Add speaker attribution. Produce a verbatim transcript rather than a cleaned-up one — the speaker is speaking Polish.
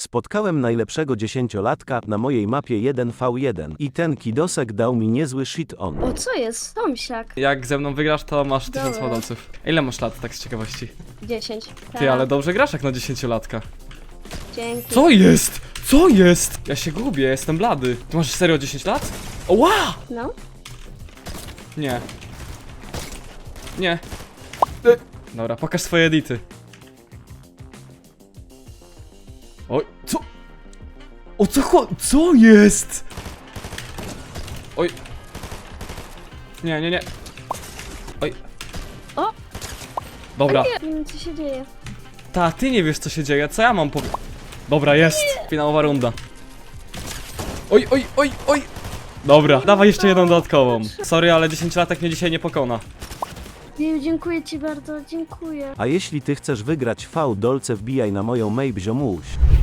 Speaker 1: Spotkałem najlepszego dziesięciolatka na mojej mapie jeden na jeden i ten kidosek dał mi niezły shit on.
Speaker 2: O, co jest? Tomsiak.
Speaker 3: Jak ze mną wygrasz, to masz tysiąc
Speaker 2: Dobra.
Speaker 3: modolców. Ile masz lat, tak z ciekawości?
Speaker 2: dziesięć.
Speaker 3: Ty, ale dobrze grasz jak na dziesięciolatka.
Speaker 2: Dzięki.
Speaker 3: Co jest? Co jest? Ja się gubię, jestem blady. Ty masz serio dziesięć lat? Oła!
Speaker 2: No.
Speaker 3: Nie. Nie. E. Dobra, pokaż swoje edity. Oj, co? O co cho... Co jest? Oj. Nie, nie, nie. Oj.
Speaker 2: O!
Speaker 3: Dobra.
Speaker 2: Nie wiem, co się dzieje.
Speaker 3: Ta, ty nie wiesz co się dzieje, co ja mam powie... Dobra, jest. Finałowa runda. Oj, oj, oj, oj. Dobra, dawaj jeszcze jedną dodatkową. Sorry, ale dziesięciolatek mnie dzisiaj nie pokona.
Speaker 2: Jeju, dziękuję ci bardzo, dziękuję.
Speaker 1: A jeśli ty chcesz wygrać V dolce, wbijaj na moją mail ziomuś.